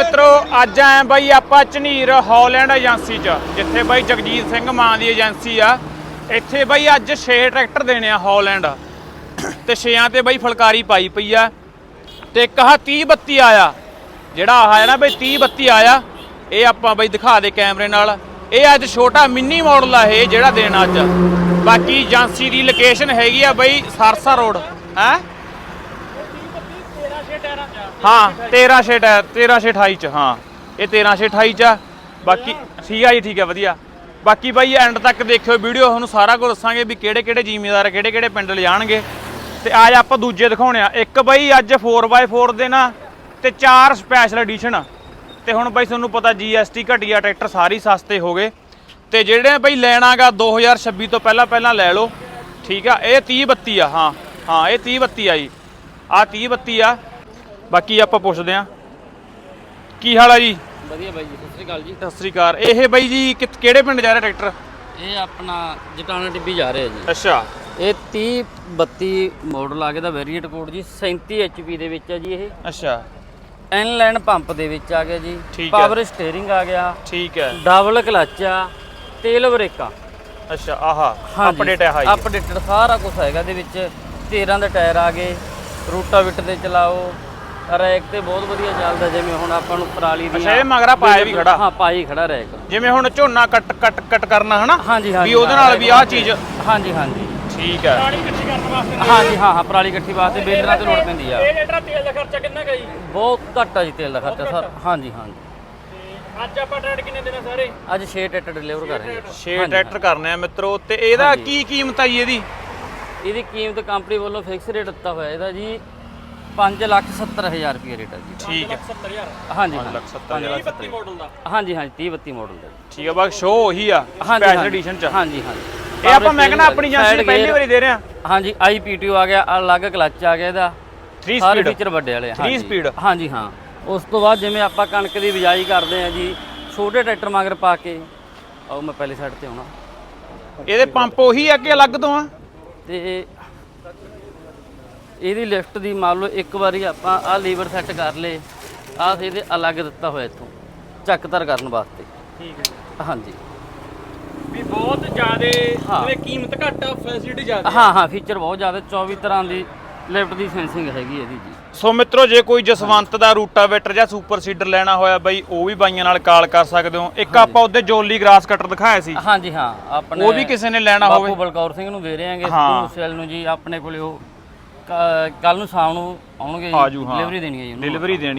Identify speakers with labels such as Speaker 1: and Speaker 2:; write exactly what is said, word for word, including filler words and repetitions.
Speaker 1: ਮਿੱਤਰੋ ਅੱਜ ਆਏ ਬਾਈ ਆਪਾਂ ਝਨੀਰ ਹੌਲੈਂਡ ਏਜੰਸੀ ਚ ਜਿੱਥੇ ਬਾਈ ਜਗਜੀਤ ਸਿੰਘ ਮਾਨ ਦੀ ਏਜੰਸੀ ਆ। ਇੱਥੇ ਬਾਈ ਅੱਜ ਛੇ ਟਰੈਕਟਰ ਦੇਣੇ ਆ ਹੌਲੈਂਡ ਤੇ ਛੇਆਂ ਤੇ ਬਾਈ ਫੁਲਕਾਰੀ ਪਾਈ ਪਈ ਆ ਤੇ ਇੱਕ ਆਹ ਤੀਹ ਬੱਤੀ ਆਇਆ ਜਿਹੜਾ ਆਹ ਹੈ ਨਾ ਬਾਈ ਤੀਹ ਬੱਤੀ ਆਇਆ। ਇਹ ਆਪਾਂ ਬਾਈ ਦਿਖਾ ਦੇ ਕੈਮਰੇ ਨਾਲ। ਇਹ ਅੱਜ ਛੋਟਾ ਮਿੰਨੀ ਮਾਡਲ ਆ ਇਹ ਜਿਹੜਾ ਦੇਣਾ ਅੱਜ। ਬਾਕੀ ਏਜੰਸੀ ਦੀ ਲੋਕੇਸ਼ਨ ਹੈਗੀ ਆ ਬਾਈ ਸਰਸਾ ਰੋਡ ਹੈ ਹਾਂ तेरह छे तेरह छे अठाई च हाँ ये तेरह छे अठाई च बाकी ठीक है जी ठीक है वधिया। बाकी भाई एंड तक देखियो वीडियो तुहानूं सारा कुछ दसांगे भी किहड़े किहड़े जिमीदार किहड़े किहड़े पिंड ले जाणगे ते आज आपां दूजे दिखाउणे आ। एक बाई अज फोर बाय फोर दे ना ते चार स्पैशल एडिशन ते हुण बाई तुहानूं पता जी एस टी घटिया ट्रैक्टर सारे सस्ते हो गए ते जिहड़े बाई लैणा गा दो हज़ार छब्बी तो पहला पहला लै लो ठीक है। ये तीह बत्ती आ हाँ हाँ ये तीह बत्ती आ जी आ तीह बत्ती आ। बाकी आप पुछते हैं की हाल है जी
Speaker 2: ਵਧੀਆ ਬਾਈ ਜੀ ਸਤਿ ਸ੍ਰੀ ਅਕਾਲ ਜੀ।
Speaker 1: सत श्री अकाल। ਇਹ ਬਾਈ ਜੀ ਕਿਹੜੇ ਪਿੰਡ ਜਾ ਰਿਹਾ ਟਰੈਕਟਰ?
Speaker 2: ਇਹ ਆਪਣਾ ਜਟਾਣਾ ਟਿੱਬੀ ਜਾ ਰਿਹਾ ਜੀ।
Speaker 1: ਅੱਛਾ
Speaker 2: ਇਹ ਤੀਹ ਬੱਤੀ ਮਾਡਲ ਆ ਗਿਆ ਦਾ ਵੇਰੀਐਂਟ ਕੋਡ ਜੀ ਸੈਂਤੀ ਐਚ ਪੀ ਦੇ ਵਿੱਚ ਆ ਜੀ। ਇਹ
Speaker 1: ਅੱਛਾ
Speaker 2: ਇਨਲਾਈਨ ਪੰਪ ਦੇ ਵਿੱਚ ਆ ਗਿਆ ਜੀ।
Speaker 1: ਠੀਕ ਹੈ।
Speaker 2: ਪਾਵਰ ਸਟੀਅਰਿੰਗ ਆ ਗਿਆ
Speaker 1: ਠੀਕ ਹੈ।
Speaker 2: ਡਬਲ ਕਲਚ ਆ ਤੇਲ ਬ੍ਰੇਕਾਂ।
Speaker 1: ਅੱਛਾ ਆਹਾ ਅਪਡੇਟ ਹੈ ਹਾਈ
Speaker 2: ਅਪਡੇਟਡ ਸਾਰਾ ਕੁਝ ਹੈਗਾ ਇਹਦੇ ਵਿੱਚ। ਤੇਰਾਂ ਦੇ ਟਾਇਰ ਆ ਗਏ ਰੂਟਾਵੀਟਰ ਤੇ ਚਲਾਓ ਰੈਕ ਤੇ ਬਹੁਤ ਵਧੀਆ ਚੱਲਦਾ। ਜਿਵੇਂ ਹੁਣ ਆਪਾਂ ਨੂੰ ਪਰਾਲੀ ਦੀ
Speaker 1: ਅੱਛਾ ਇਹ ਮਗਰਾ ਪਾਇਆ ਵੀ ਖੜਾ
Speaker 2: ਹਾਂ ਪਾਈ ਖੜਾ ਰੈਕ
Speaker 1: ਜਿਵੇਂ ਹੁਣ ਝੋਨਾ ਕੱਟ ਕੱਟ ਕੱਟ ਕਰਨਾ ਹਨਾ
Speaker 2: ਹਾਂਜੀ ਹਾਂਜੀ
Speaker 1: ਵੀ ਉਹਦੇ ਨਾਲ ਵੀ ਆਹ ਚੀਜ਼
Speaker 2: ਹਾਂਜੀ ਹਾਂਜੀ
Speaker 1: ਠੀਕ ਹੈ।
Speaker 3: ਪਰਾਲੀ ਇਕੱਠੀ ਕਰਨ ਵਾਸਤੇ
Speaker 2: ਹਾਂਜੀ ਹਾਂ ਹਾਂ ਪਰਾਲੀ ਇਕੱਠੀ ਵਾਸਤੇ ਬੇਲਰਾਂ ਤੇ ਲੋੜ ਪੈਂਦੀ ਆ।
Speaker 3: ਇਹ ਲੀਟਰ ਤੇਲ ਦਾ ਖਰਚਾ ਕਿੰਨਾ ਕੁ ਜੀ?
Speaker 2: ਬਹੁਤ ਘੱਟ ਆ ਜੀ ਤੇਲ ਦਾ ਖਰਚਾ ਸਰ। ਹਾਂਜੀ ਹਾਂਜੀ
Speaker 3: ਤੇ ਅੱਜ ਆਪਾਂ ਟਰੈਕਟਰ ਕਿੰਨੇ ਦੇਣਾ ਸਾਰੇ?
Speaker 2: ਅੱਜ ਛੇ ਟਰੈਕਟਰ ਡਿਲੀਵਰ ਕਰ ਰਹੇ ਹਾਂ।
Speaker 1: ਛੇ ਟਰੈਕਟਰ ਕਰਨੇ ਆ ਮਿੱਤਰੋ ਤੇ ਇਹਦਾ ਕੀ ਕੀਮਤ ਆਈ ਇਹਦੀ?
Speaker 2: ਇਹਦੀ ਕੀਮਤ ਕੰਪਨੀ ਵੱਲੋਂ ਫਿਕਸ ਰੇਟ ਦਿੱਤਾ ਹੋਇਆ ਇਹਦਾ ਜੀ ਪੰਜ ਲੱਖ ਸੱਤਰ ਹਜ਼ਾਰ ਰੁਪਏ ਰੇਟ ਹੈ ਜੀ।
Speaker 1: ਠੀਕ ਹੈ
Speaker 3: ਸੱਤਰ ਹਜ਼ਾਰ
Speaker 2: ਹਾਂਜੀ
Speaker 1: ਪੰਜ ਲੱਖ ਸੱਤਰ ਹਜ਼ਾਰ
Speaker 3: ਤੀਹ ਬੱਤੀ ਮਾਡਲ ਦਾ।
Speaker 2: ਹਾਂਜੀ ਹਾਂਜੀ ਤੀਹ ਬੱਤੀ ਮਾਡਲ ਦਾ
Speaker 1: ਠੀਕ ਹੈ। ਬਾਕੀ ਸ਼ੋ ਉਹੀ ਆ
Speaker 2: ਹਾਂਜੀ
Speaker 1: ਸਪੈਸ਼ਲ ਐਡੀਸ਼ਨ ਚ।
Speaker 2: ਹਾਂਜੀ ਹਾਂਜੀ
Speaker 1: ਇਹ ਆਪਾਂ ਮੈਂ ਕਹਿੰਦਾ ਆਪਣੀ ਏਜੰਸੀ ਪਹਿਲੀ ਵਾਰੀ ਦੇ ਰਹੇ ਆ।
Speaker 2: ਹਾਂਜੀ ਆਈ ਪੀ ਟੀ ਓ ਆ ਗਿਆ ਅਲੱਗ ਕਲਚ ਆ ਗਿਆ ਇਹਦਾ
Speaker 1: तीन
Speaker 2: ਸਾਰੇ
Speaker 1: स्पीड
Speaker 2: ਫੀਚਰ ਵੱਡੇ ਵਾਲੇ
Speaker 1: तीन स्पीड
Speaker 2: ਹਾਂਜੀ ਹਾਂ। ਉਸ ਤੋਂ ਬਾਅਦ ਜਿਵੇਂ ਆਪਾਂ ਕਣਕ ਦੀ ਬਿਜਾਈ ਕਰਦੇ ਆ ਜੀ ਛੋਟੇ ਟਰੈਕਟਰ ਮਗਰ ਪਾ ਕੇ ਆਓ ਮੈਂ ਪਹਿਲੀ ਸਾਈਡ ਤੇ ਆਉਣਾ।
Speaker 1: ਇਹਦੇ ਪੰਪ ਉਹੀ ਆ ਕਿ ਅਲੱਗ ਤੋਂ ਆ?
Speaker 2: ਤੇ ਇਹਦੀ ਲਿਫਟ ਦੀ ਮੰਨ ਲਓ ਇੱਕ ਵਾਰੀ ਆਪਾਂ ਆਹ ਲੀਵਰ ਸੈੱਟ ਕਰ ਲੇ ਆਹ ਇਹਦੇ ਅਲੱਗ ਦਿੱਤਾ ਹੋਇਆ ਇੱਥੋਂ ਚੱਕਤਰ ਕਰਨ ਵਾਸਤੇ।
Speaker 3: ਠੀਕ ਹੈ
Speaker 2: ਹਾਂਜੀ
Speaker 3: ਵੀ ਬਹੁਤ ਜ਼ਿਆਦੇ
Speaker 2: ਹਾਂ।
Speaker 3: ਜਿਵੇਂ ਕੀਮਤ ਘੱਟ ਆ ਫੈਸਿਲਿਟੀ ਜ਼ਿਆਦਾ
Speaker 2: ਹਾਂ ਹਾਂ ਫੀਚਰ ਬਹੁਤ ਜ਼ਿਆਦਾ ਚੌਵੀ ਤਰ੍ਹਾਂ ਦੀ ਲਿਫਟ ਦੀ ਸੈਂਸਿੰਗ ਹੈਗੀ ਇਹਦੀ ਜੀ।
Speaker 1: ਸੋ ਮਿੱਤਰੋ ਜੇ ਕੋਈ ਜਸਵੰਤ ਦਾ ਰੂਟਾਵੇਟਰ ਜਾਂ ਸੁਪਰ ਸੀਡਰ ਲੈਣਾ ਹੋਇਆ ਬਾਈ ਉਹ ਵੀ ਬਾਈਆਂ ਨਾਲ ਕਾਲ ਕਰ ਸਕਦੇ ਹੋ। ਇੱਕ ਆਪਾਂ ਉਹਦੇ ਜੋਲੀ ਗ੍ਰਾਸ ਕਟਰ ਦਿਖਾਇਆ ਸੀ
Speaker 2: ਹਾਂਜੀ ਹਾਂ ਆਪਣੇ
Speaker 1: ਉਹ ਵੀ ਕਿਸੇ ਨੇ ਲੈਣਾ
Speaker 2: ਬਾਪੂ
Speaker 1: ਹੋਵੇ
Speaker 2: ਬਲਕੌਰ ਸਿੰਘ ਨੂੰ ਦੇ ਰਹੇ ਆਂਗੇ
Speaker 1: ਹਾਂ।
Speaker 2: ਸੈਲ ਨੂੰ ਜੀ ਆਪਣੇ ਕੋਲੇ ਉਹ ਕੱਲ ਨੂੰ ਸ਼ਾਮ ਨੂੰ ਆਉਣਗੇ
Speaker 1: ਆਜੂ ਹਾਂ
Speaker 2: ਡਿਲੀਵਰੀ ਦੇਣੀ ਹੈ ਜੀ ਉਹਨੂੰ।
Speaker 1: ਡਿਲੀਵਰੀ ਦੇਣੀ